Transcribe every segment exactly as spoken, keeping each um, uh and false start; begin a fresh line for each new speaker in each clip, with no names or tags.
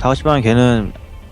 다섯 시 방에 걔는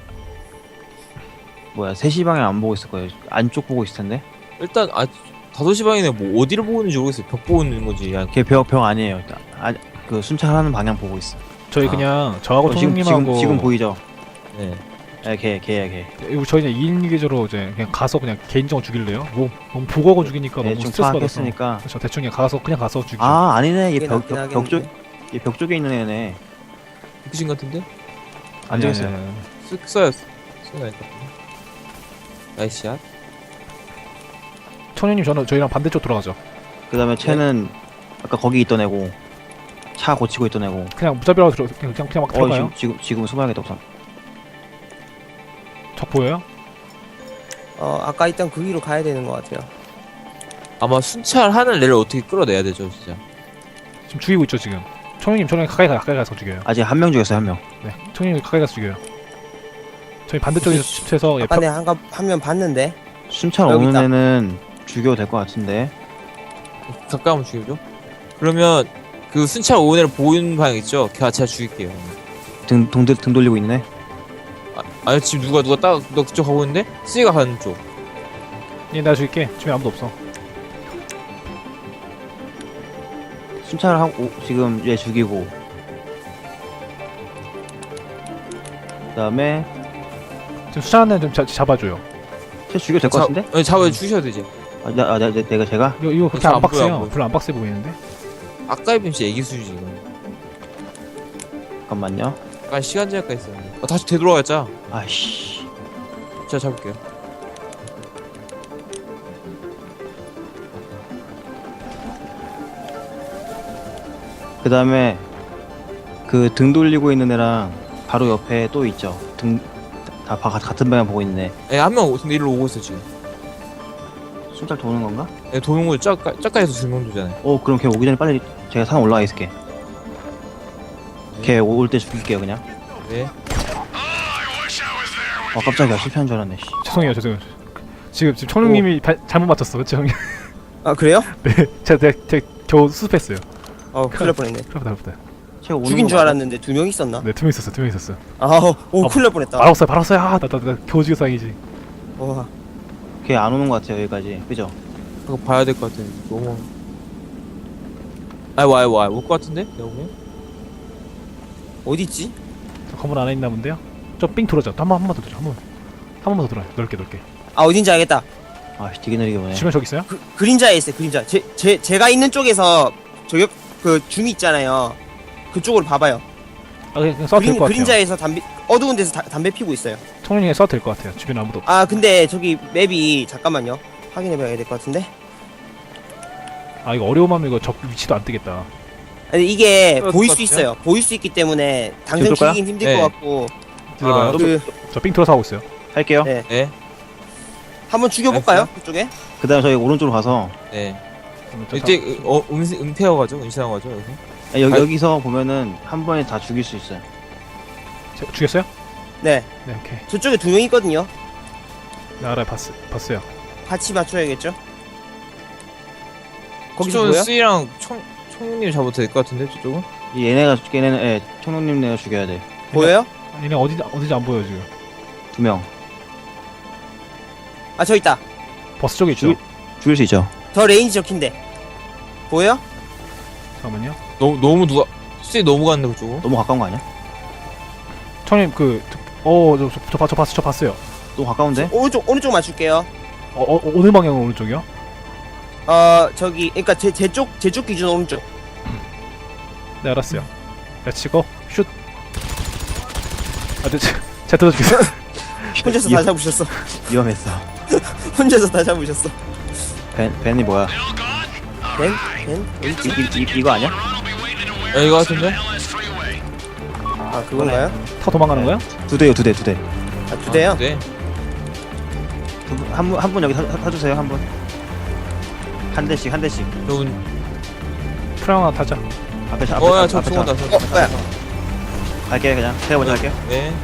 뭐야 세 시 방향 안 보고 있을 거예요. 안쪽 보고 있을 텐데.
일단 아 다섯 시 방이네. 뭐 어디를 보고 있는지 모르겠어요. 벽 보고 있는 건지. 야,
걔 벽 벽 아니에요. 아, 그 순찰하는 방향 보고 있어.
저희
아.
그냥 저하고
어, 지금
총님하고
지금 지금 보이죠?
네.
예, 걔 걔야 걔.
이거 저희는 이 인 계좌로 이제 그냥 가서 그냥 개인적으로 죽일래요? 뭐 너무 보고하고 죽이니까
네,
너무
좀
스트레스 받아서.
파악했으니까.
그렇죠. 대충 그냥 가서 그냥 가서 죽이죠.
아 아니네.
그게 낫긴
얘벽벽쪽
하겠는데.
얘 벽 쪽에 있는 애네.
그신 같은데?
안 되겠어요.
쓱 써요. 쓱 나니까. 나이스샷.
청년님 저는 저희랑 반대쪽 돌아가죠.
그다음에 쟤는 아까 거기 있던 애고 차 고치고 있던 애고.
그냥 무자비라고 들어 그냥 그냥, 그냥 막
어
들어가요.
지금 지금 지금 숨어야겠다 우선.
적 보여요?
어 아까 있던 그 위로 가야 되는 것 같아요.
아마 순찰하는 애를 어떻게 끌어내야 되죠, 진짜.
지금 죽이고 있죠 지금. 청년님 저랑 가까이 가 가까이 가서 죽여요.
아직 한 명 죽였어요 한 명.
네. 청년님 가까이 가서 죽여요. 저희 반대쪽에서 칩해서 예,
아까 내 한가 화면 봤는데.
순찰
여기
오는
있다.
애는 죽여도 될 것 같은데.
가까우면 죽여줘. 그러면 그 순찰 오는 애를 보이는 방향 있죠? 걔가 제가 죽일게요.
등, 등, 등 돌리고 있네.
아, 아니 지금 누가 누가 딱 너 그쪽 가고 있는데? 쓰이가 가는 쪽.
예, 내가 죽일게. 주변에 아무도 없어.
순찰을 하고 지금 얘 죽이고 그다음에
지금 수사하는 좀 자, 잡아줘요.
쟤 죽여도 될 것
자-
같은데?
아니 잡아 주셔야 되지.
아, 나, 아, 나, 내- 내가 제가?
이거 이거 그렇게
안
안
보여,
빡세요.
안 보여.
별로 안 빡세 보이는데.
아까 입은 진짜 애기 수준이지 이건.
잠깐만요.
약간 시간 제약가 있었는데. 아, 다시 되돌아갔자.
아이씨.
제가 잡을게요.
그 다음에 그 등 돌리고 있는 애랑 바로 옆에 또 있죠. 등 다 같은 방향 보고 있네.
예, 한명 근데 일로 오고 있어 지금.
순찰 도는 건가?
예, 도용을 짝가 짝가에서 두명 두잖아요.
어 그럼 걔 오기 전에 빨리 제가 산 올라가 있을게. 걔 올 때 죽일게요 그냥.
네.
아 깜짝이야 실패한 줄 알았네. 씨.
죄송해요, 죄송해요. 지금 지금 청룡님이 바, 잘못 맞췄어, 그렇죠 형님?
아 그래요?
네, 제가 제가, 제가 겨우 수습했어요.
어 큰일 날 뻔했네.
그렇다, 그렇다.
제가 오는
죽인
거
줄
맞아?
알았는데 두 명 있었나?
네, 두 명 있었어, 두 명 있었어.
아오 오
어,
큰일 날 뻔했다.
바로 쏴요, 바로 쏴요. 아, 나, 나, 나 겨우 죽여서 다행이지.
와
걔 안 오는 것 같아요 여기까지. 그죠?
그거 봐야 될 것 같은데 너무. 아이 와이 와이 올것 같은데? 내가 보면.
어디 있지?
저 건물 안에 있나 본데요? 저 삥 돌아죠. 한 번, 한 번 더 돌아, 한 번, 한 번만 더 돌아요. 넓게, 넓게.
아 어딘지 알겠다.
아씨 되게 느리게 보네.
주변 저기 있어요?
그 그림자에 있어요. 그림자. 제 제 제가 있는 쪽에서 저격 그 줌이 있잖아요. 그쪽으로 봐봐요.
아, 그냥, 그냥 쏴도 될
그림,
것 같아요.
그림자에서 담배 어두운 데서 다, 담배 피고 있어요.
청룡이 쏴도 될 것 같아요. 주변에 아무도 없어.
아 근데 저기 맵이 잠깐만요. 확인해봐야 될 것 같은데.
아, 이거 어려움하면 이거 적 위치도 안 뜨겠다.
아니 이게
그럴
보일
것
수
같아요?
있어요. 보일 수 있기 때문에 당장
지금 쏠까요?
죽이긴 힘들
네.
것 같고.
들어봐요.
아,
그
저 삥 돌아서 하고 있어요.
할게요.
네.
네.
한번 죽여볼까요? 그쪽에?
그다음 저희 오른쪽으로 가서
네.
그러면 저
이제
다-
그, 어 음세 은폐하고 가죠? 은시하고 가죠 여기서?
아, 여기
아,
여기서 보면은 한 번에 다 죽일 수 있어요.
제- 죽였어요?
네.
네, 오케이.
저쪽에 두 명 있거든요.
네, 알아요. 봤, 봤어요.
같이 맞춰야겠죠? 거기서
저쪽은
뭐야?
C랑 청 청님 잡아도 될 것 같은데 저쪽은?
이 얘네가 얘네는 예, 청룡님 내가 죽여야 돼.
보여요?
얘네 어디 어디지 안 보여 지금.
두 명.
아 저 있다.
버스 쪽에 있죠.
죽일, 죽일 수 있죠.
더 레인지 적힌데. 보여?
잠깐만요.
너무 너무 누가 C 너무 갔는데 그쪽으로?
너무 가까운 거 아니야?
청님 그, 어, 저, 저, 저, 봤- 저 봤어, 저 봤어요.
너무 가까운데?
오른쪽 오른쪽 맞출게요.
어, 어, 어느 방향 오른쪽이요?
어 저기 그러니까 제 제 쪽 제 쪽 기준 오른쪽.
네, 알았어요. 내치고 슛. 아, 네, 제- 제가 뜯어 주겠어요.
혼자서
이-
다 잡으셨어.
위험했어.
혼자서 다 잡으셨어.
벤 벤이 뭐야?
벤? 벤?
이, 이, 이, 이거 아니야?
야 이거 같은데?
아 그건가요?
타 도망가는 거야?
두 대요 두 대 두 대.
아 두 대요?
네.
한 분 한 분 여기 사, 사, 사주세요 한 분. 한 대씩 한 대씩.
저분.
프랑 하나 타자.
앞에 차 앞에
어야
차
저
앞에 차.
죽었다. 저
어 뭐야?
갈게요 그냥. 제가 먼저 갈게요.
네.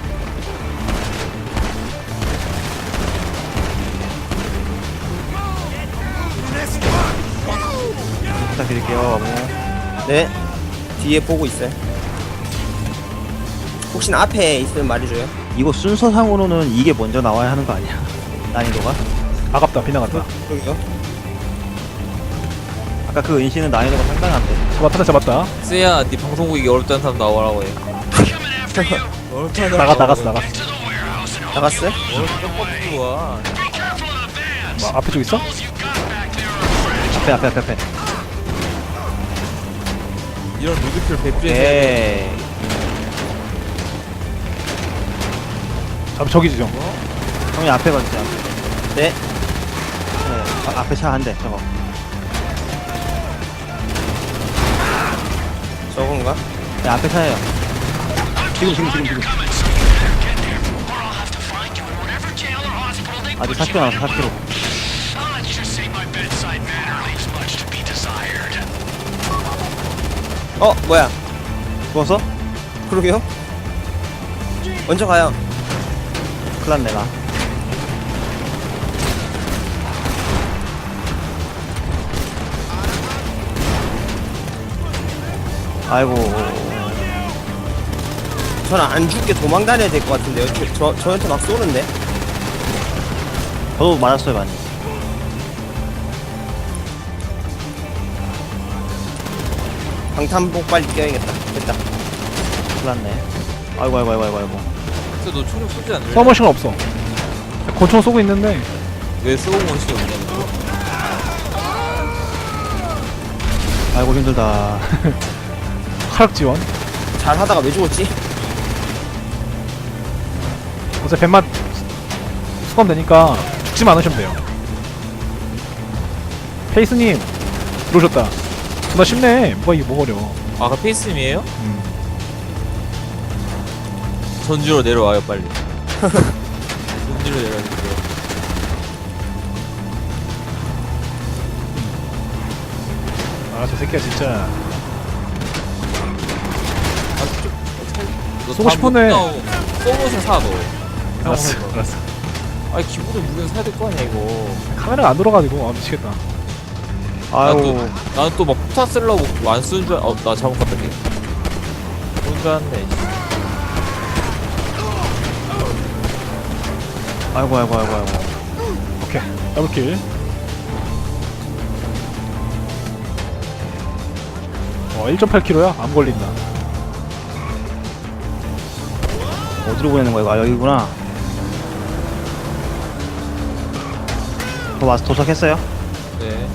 부탁드릴게요. 어머.
네. 뒤에 보고 있어요. 혹시나 앞에 있으면 말해줘요.
이거 순서상으로는 이게 먼저 나와야 하는 거 아니야? 난이도가?
아깝다 빗나갔다.
그러게요.
아까 그 은신은 난이도가 상당한데.
잡았다 잡았다.
쎄야, 네 방송국이 어렵다는 사람 나오라고 해. 어렵다는 사람
나가 나갔어
나오라고 해.
나갔어.
나갔어요?
어렵다 좋아.
뭐 앞에 쪽 있어?
앞에 앞에 앞에 앞에.
이런 로드킬 배필해서
에이.
잠 저기지 좀.
형이 앞에 가주세요.
네.
네. 아, 앞에 차 한 대. 저거.
저건가?
네, 앞에 차예요. 지금 지금 지금 지금. 아직 사 킬로미터 남았어. 사 킬로미터.
어 뭐야?
죽었어?
그러게요. 먼저 가요.
큰일 났네 나. 아이고.
저는 안 죽게 도망 다녀야 될 것 같은데요. 저, 저 저한테 막 쏘는데.
저도 맞았어요 많이.
방탄복 빨리 껴야겠다. 됐다.
큰일 났네. 아이고 아이고 아이고 아이고 아이고.
너 총을 쏘지 않을래?
서머신은 없어. 권총 쏘고 있는데
왜 쏘고 원식이 없냐고.
아이고 힘들다.
화력 지원.
잘 하다가 왜 죽었지?
어차피 뱀만 수감되니까 죽지만 않으시면 돼요. 페이스님 들어오셨다. 나 쉽네. 뭐가 이게 뭐가 어려워.
아, 그 페이스님이에요?
음.
전주로 내려와요 빨리. 전주로 내려와주세요.
아 저 새끼야 진짜.
너
쏘고
다음
싶었네.
쏘모션 사 너.
알았어
형,
알았어.
아니 기본적으로 무기는 사야 될 거 아니야 이거.
카메라가 안 돌아가지고 아 미치겠다.
아이고.
나는 또 막 포타 쓰려고 안 쓰는 줄 알... 어, 나 잘못 갔다 걔. 그런 줄 알았네.
아이고 아이고 아이고 아이고.
오케이 더블킬. 어 일 점 팔 킬로미터야? 안 걸린다.
어디로 보내는 거야 이거? 아 여기구나. 저 와서 도착했어요?
네.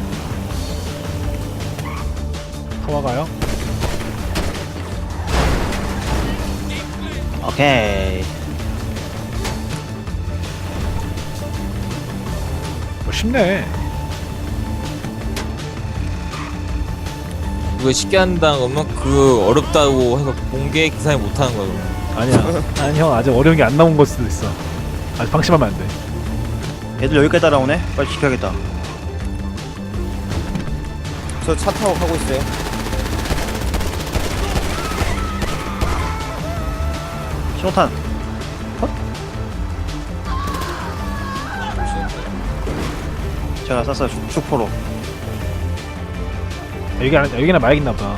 타와가요?
오케이.
뭐 쉽네.
이거 쉽게 한다는 거면 그 어렵다고 해서 공개 기사에 못하는 거야 그러면.
아니야. 아니 형 아직 어려운 게 안 나온 걸 수도 있어. 아직 방심하면 안 돼.
얘들 여기까지 따라오네? 빨리 지켜야겠다.
저 차 타고 가고 있어요.
신호탄. 제가 쐈어요 슈- 슈퍼로.
여기 안 여기나 마약 있나 보다.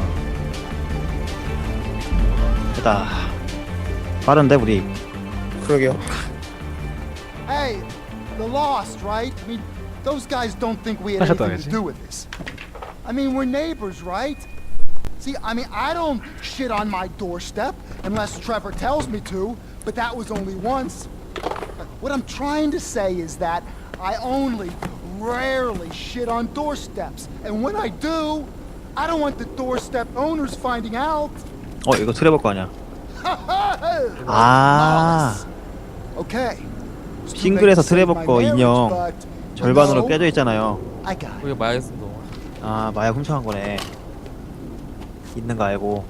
됐다. 빠른데 우리.
그러게요.
Hey, the Lost, right? I mean, those guys don't think we had
That's what
anything
I
to do with this. I mean, we're neighbors, right? See, I mean, I don't shit on my doorstep unless Trevor tells me to, but that was only once. What I'm trying to say is that I only rarely shit on doorsteps, and when I do, I don't want the doorstep owners finding out.
어 이거 트레버 거 아니야?
Lawless.
아
Okay.
싱글에서 트레버 거 인형 절반으로
No.
깨져 있잖아요.
I got it.
그게 마약에서 너.
아 마약 훔쳐간 거네. 있는 거 알고.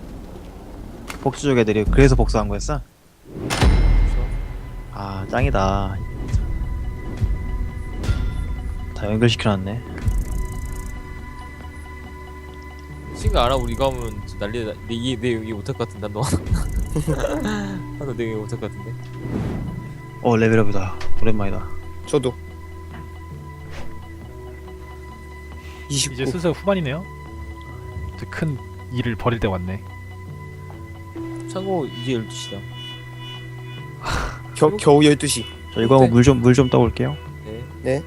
복수족 애들이 그래서 복수한 거였어? 아 짱이다. 다 연결시켜놨네.
친구 알아? 우리 이거 하면 난리 나. 내 이해 내 얘기 못할 것 같은데 너. 하나 내 얘기 못할 것 같은데.
어 레벨업이다. 오랜만이다.
저도. 이십구.
이제 슬슬 후반이네요. 이제 큰 일을 벌일 때 왔네.
참고 이제 열두 시다.
겨, 겨우 열두 시.
저 이거 하고 물 좀 물 좀 떠올게요.
네.
네.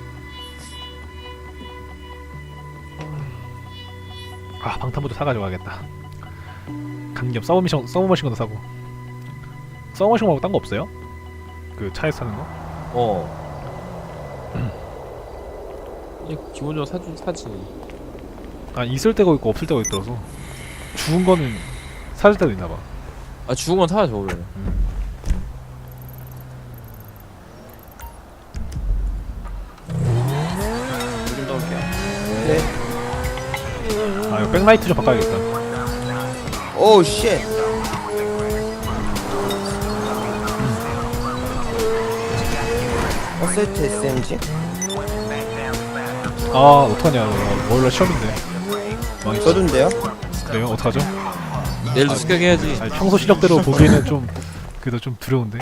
아 방탄부도 사가지고 가겠다. 가는 김 서브미션 서브머신건도 사고. 서브머신 말고 딴 거 없어요? 그 차에서 사는 거?
어. 그냥 기본적으로 사주 사지.
아 있을 때가 있고 없을 때가 있더라서 죽은 거는 사줄 때도 있나봐.
아 죽은 건 사야죠 원래.
물 좀 떠올게요.
네.
아 이거 백라이트 좀 바꿔야겠다.
오 쉣. 어설트 에스엠지?
아 어떡하냐. 원래 시험인데. 망했어.
저도인데요?
그래요? 어떡하죠?
내일도 습격해야지.
아니, 평소 시력대로 보기에는 좀 그래도 좀 두려운데.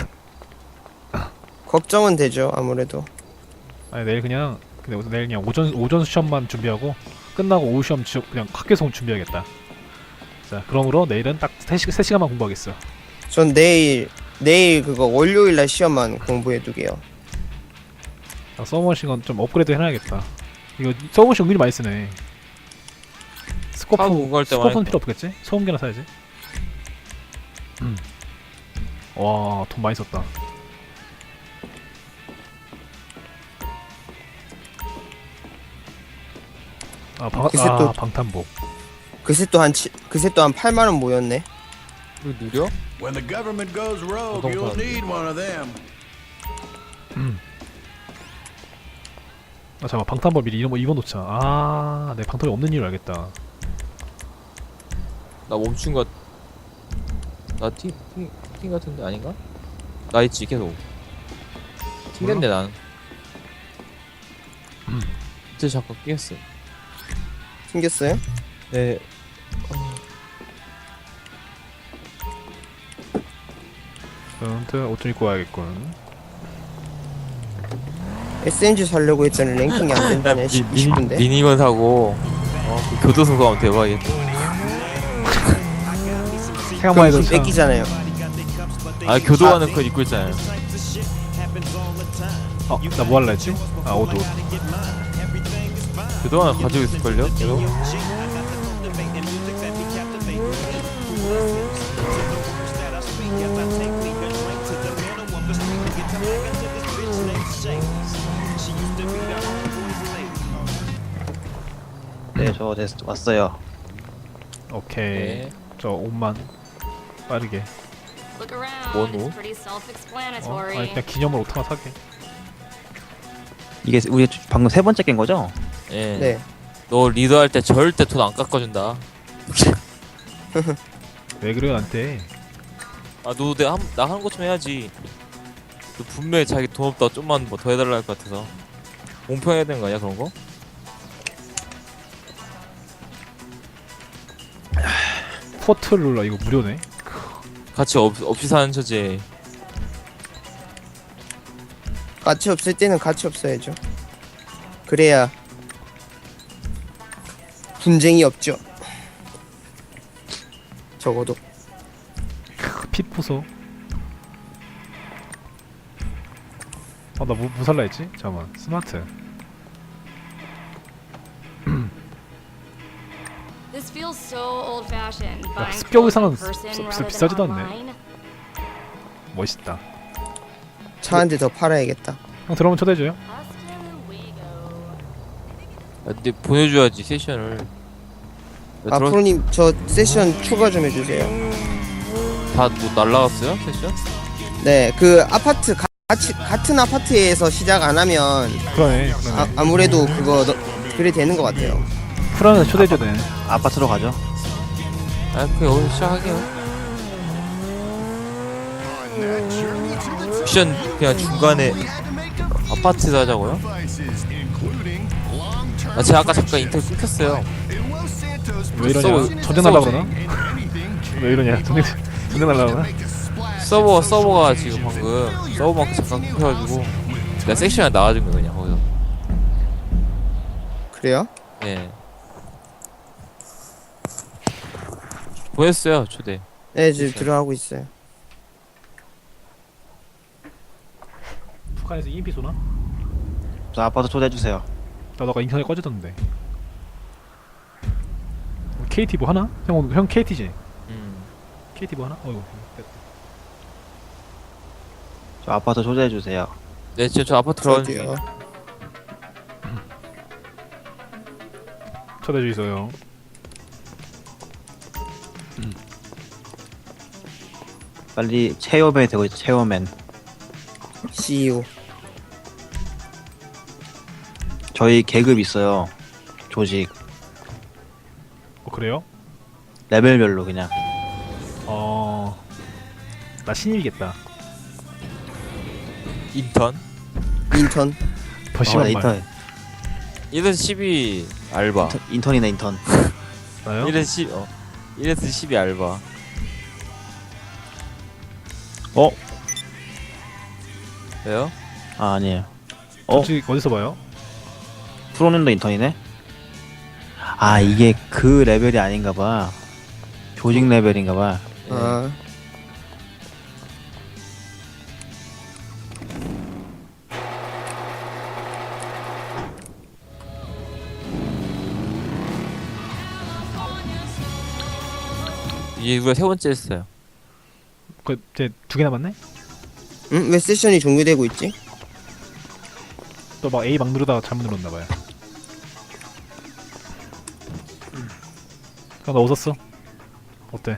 걱정은 되죠 아무래도.
아니 내일 그냥 근데 내일 그냥 오전 오전 시험만 준비하고 끝나고 오후 시험 지- 그냥 학교송 준비하겠다. 자 그러므로 내일은 딱 세 시간만 공부하겠어.
전 내일 내일 그거 월요일날 시험만 공부해두게요.
아, 서브머신건 좀 업그레이드 해놔야겠다. 이거 서브머신 은근히 많이 쓰네. 스코프
하고 공부할 때만
스코프는
해서.
필요 없겠지? 소음기나 사야지. 음. 와, 돈 많이 썼다. 아, 방,
글쎄
아
또-
방탄복.
그새 또 한 그새 또 한 팔만 원 모였네.
이거 느려?
When the government goes rogue,
Don't
you'll
tell me.
need one of them.
음. 아, 잠깐 방탄복 미리 이런 거 입어놓자. 아, 내 방탄이 없는 이유를 알겠다.
나 멈춘 것. 나팅팅 팅 같은데 아닌가? 나 있지 계속. 튕겼네 난.
음.
이제 잠깐 끼겠어.
생겼어요?
네.
아무튼 옷 좀 입고 와야겠군.
에스엠지 살려고 했더니 랭킹이 안 된다네. 싶은데.
미니건 사고. 어, 그 교도소 가면 대박이겠다.
생각만 해도
그럼
참.
뺏기잖아요.
아 교도관은 그거 입고 있잖아요.
어, 나 뭐 할라 했지? 아, 옷 옷.
교도관은 가지고 있을걸요? 계속?
네, 저 됐, 왔어요.
오케이.
네.
저 옷만 빠르게.
Look around.
What?
It's pretty
어,
self-explanatory.
아니 그냥 기념으로 옷 하나 사게.
이게 우리 방금 세 번째 깬 거죠?
예.
네.
너 리더할 때 절대 돈 안 깎아준다.
왜 그래요 나한테?
아, 너 내가 한, 나 하는 것 좀 해야지. 너 분명히 자기 돈 없다 좀만 뭐 더 해달라 할 것 같아서. 공평해야 되는 거 아니야 그런 거?
포트룰라 이거 무료네.
같이 없, 없이 사는 처지에.
가치 없을 때는 가치 없어야죠. 그래야 분쟁이 없죠. 적어도.
핏부소. 아, 나 뭐, 뭐 살라 했지? 잠깐만. 스마트.
This feels so old-fashioned.
야,
Buying
습격
clothes
의상은
in person
비-
rather
비싸지도
than
않네.
online.
멋있다.
차 한 대 더 팔아야겠다.
형 들어오면 초대해줘요.
Hasta luego.
아, 근데 보내줘야지 세션을. 야,
아
들어-
프로님 저 세션 추가 좀 해주세요.
다 뭐 날라갔어요 세션?
네, 그 아파트 가, 같이 같은 아파트에서 시작 안 하면
그러네. 그러네.
아, 아무래도 그거 너, 그래 되는 것 같아요.
프라는 초대해줘야 되네.
아파트로 가죠.
아 그냥 여기서 시작하게요. 미션 그냥 중간에 아파트에서 하자고요? 아 제가 아까 잠깐 인터뷰 끊겼어요.
왜 이러냐?
서버-
전쟁 날라 그러나? 왜 이러냐? 전쟁 전쟁 날라 그러나?
서버 서버가 지금 방금 서버만큼 잠깐 끊겨가지고 내가 섹션에 나와준 거 그냥 거기서.
그래요?
예. 보냈어요 초대.
네, 지금 들어가고 있어요.
북한에서 이엠피 쏘나?
저 아파트 초대해주세요.
나 너가 인터넷 꺼졌던데. 케이티 뭐 하나? 형 오늘- 형 케이티지?
음.
케이티 뭐 하나? 어이구.
저 아파트 초대해주세요.
네 지금 저 아파트 들어가는 중이에요.
어디요?
초대해 주세요.
빨리 체어맨이 되고 있죠. 체어맨.
씨이오.
저희 계급 있어요. 조직
어 그래요?
레벨별로 그냥.
어. 나 신입이겠다.
인턴
인턴.
더
어,
심한
네,
말.
인턴,
일에서 십이 알바
인턴, 인턴이네 인턴.
나요?
일에서 십 어. 일에서 십이 알바
어?
왜요?
아 아니에요. 어?
솔직히 어디서 봐요?
프로님도 인턴이네? 아 이게 그 레벨이 아닌가봐. 조직 레벨인가봐.
아.
이게 우리가 세 번째 했어요.
그 이제 두 개 남았네?
응? 왜 세션이 종료되고 있지?
또 막 A 막 누르다가 잘못 눌렀나 봐요. 형 나 웃었어? 어때?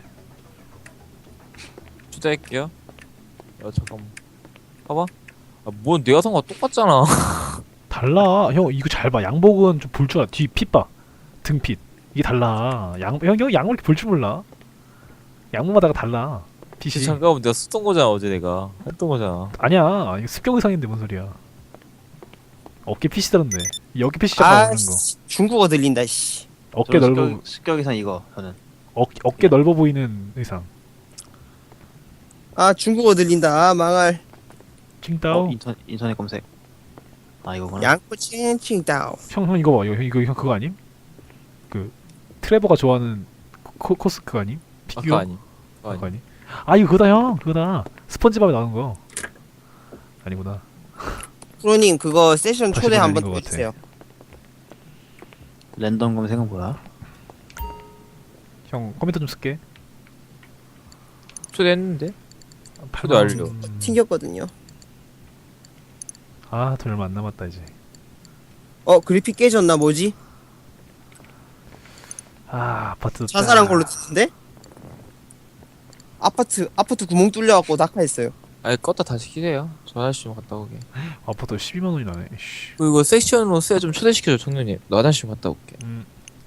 초대할게요. 야 잠깐만 봐봐. 아뭔 내가 산 거 똑같잖아.
달라. 형 이거 잘 봐. 양복은 좀 볼 줄 알아. 뒤 핏 봐. 등핏. 이게 달라. 양, 형, 형 양복 이렇게 볼 줄 몰라. 양복마다가 달라. 핏이.
잠깐만 내가 쓰던 거잖아 어제 내가 했던 거잖아.
아니야. 이거 습격 의상인데 뭔 소리야. 어깨 핏이 다른데. 이 어깨 핏이 잠깐
아,
없는 거.
씨, 중국어 들린다, 씨.
어깨 넓어,
습격, 습격 이상 이거 저는.
어, 어깨 넓어 보이는 의상.
아, 중국어 들린다. 아, 망할.
칭따오.
어, 인턴 인터넷 검색. 아 이거구나.
양코 칭칭다오.
형, 형 이거 봐. 이거, 이거 형 그거 아님? 그 트레버가 좋아하는 코, 코스 그거 아님? 피규어?
아까 아니. 아까
그거
아니.
아니? 아 이거 그거다 형. 그거다. 스펀지밥에 나오는 거. 아니구나.
프로님, 그거 세션
다시
초대
보내는
한번
것
더
같아.
해주세요.
랜덤 검색은 뭐야?
형 컴퓨터 좀 쓸게.
초대했는데?
팔
초대
만
완료.
원.
튕겼거든요.
아, 돈 얼마 안 남았다 이제.
어, 그래픽 깨졌나, 뭐지?
아, 아파트.
자살한 걸로 치는데? 아파트, 아파트 구멍 뚫려갖고 낙하했어요.
아니 껐다 다시 키세요. 저 아저씨 좀 갔다 오게.
아파트 십이만 원이 나네. 씨.
그리고 이거 섹션으로 쎄 좀 초대시켜줘 청년님. 너 화장실 좀 갔다 올게.
음.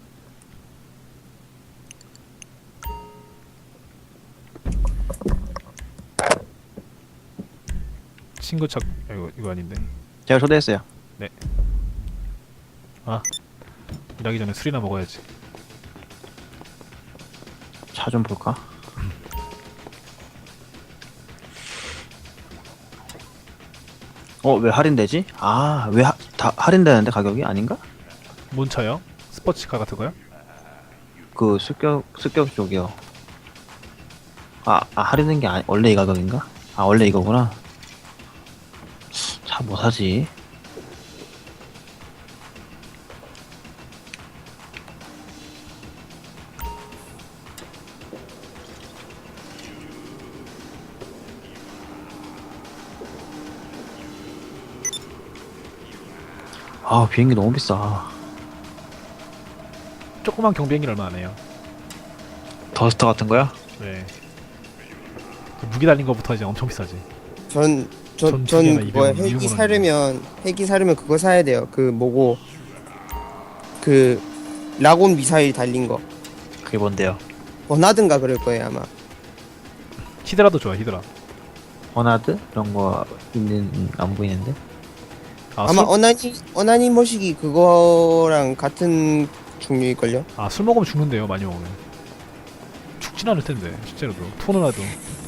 친구 찾. 아, 이거 이거 아닌데.
제가 초대했어요.
일하기 전에 술이나 먹어야지.
차 좀 볼까? 어 왜 할인되지? 아 왜 다 할인되는데 가격이 아닌가?
뭔 차요? 스포츠카 같은 거요?
그 습격 습격 쪽이요. 아, 아 할인된 게 아니 원래 이 가격인가? 아 원래 이거구나. 차 뭐 사지? 아 비행기 너무 비싸.
조그만 경비행기 얼마 안 해요.
더스터 같은 거야?
네. 그 무기 달린 거부터 이제 엄청 비싸지.
전, 전,
전
전,
투기나
그거
이백원,
헬기
이백원
사려면, 헬기 사려면 그거 사야 돼요. 그, 뭐고, 그, 라곤 미사일 달린 거.
그게 뭔데요?
버나든가 그럴 거예요, 아마.
히드라도 좋아, 히드라.
버나드? 이런 거 있는 음, 안 보이는데?
아,
아마
술,
어나니, 어나니 머시기 그거랑 같은 종류일걸요?
아, 술 먹으면 죽는데요, 많이 먹으면. 죽진 않을 텐데, 실제로도. 토는 나도.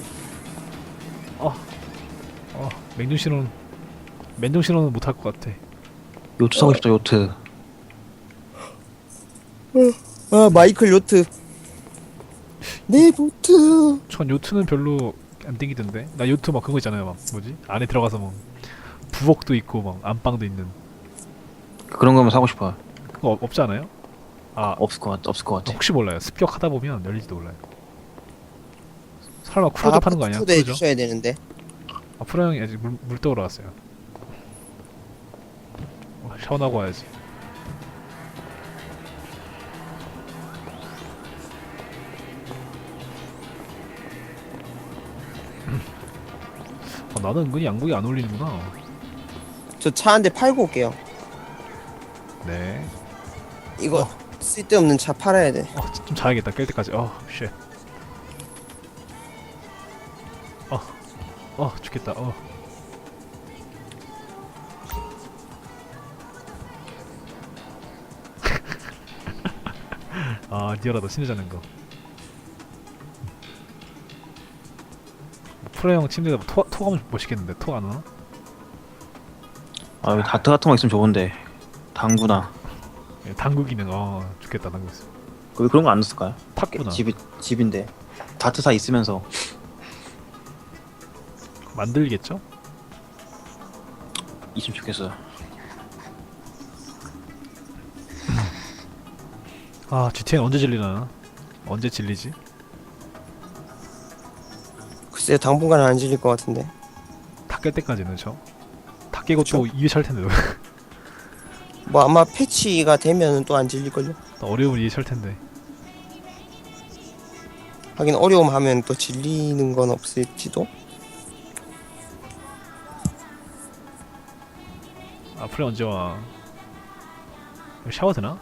어, 어, 맹종 신호는, 맨종 신호는 못할 것 같아.
요트 사고 싶다 요트.
아, 마이클 요트. 내 보트.
전 요트는 별로 안 땡기던데. 나 요트 막 그거 있잖아요. 막 뭐지? 안에 들어가서 뭐 부엌도 있고 막 안방도 있는
그런 거면 사고 싶어요.
그거 없- 없지 않아요? 아
없을 것 같, 없을 것 같아.
혹시 몰라요. 습격하다 보면 열릴지도 몰라요. 설마 쿠로즈 파는 거 아니야?
초대해
쿠로즈?
주셔야 되는데.
아 프로 형이 아직 물, 물 떠오러 왔어요. 어, 샤워하고 와야지. 아, 나는 은근히 양복이 안 어울리는구나.
저 차 한 대 팔고 올게요.
네.
이거 쓸데없는 차 팔아야 돼.
어, 좀 자야겠다. 깰 때까지. 어, 쉣. 어, 어, 죽겠다. 어. 아, 니어라도 신으자는 거. 프로 형 침대에다 토, 토가면 멋있겠는데 토 안 오나?
아, 여기 다트 같은 거 있으면 좋은데. 당구나.
예, 당구 기능. 어, 좋겠다. 당구 있어.
왜 그런 거 안 넣었을까요?
탁구나.
집이 집인데 다트사 있으면서
만들겠죠?
있으면 좋겠어요.
아, 지티엔 언제 질리나? 언제 질리지?
글쎄요, 당분간은 안 질릴 것 같은데.
다 깰 때까지는 저. 다 깨고 또 이 회 찰 텐데.
뭐 아마 패치가 되면은 또 안 질릴걸요.
또 어려운 이 회 찰 텐데.
하긴 어려움 하면 또 질리는 건 없을지도.
앞으로 언제 와? 이거 샤워 되나?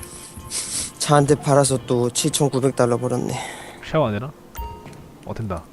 차 한 대 팔아서 또 칠천구백 달러 벌었네.
샤워 안 되나? 어 된다.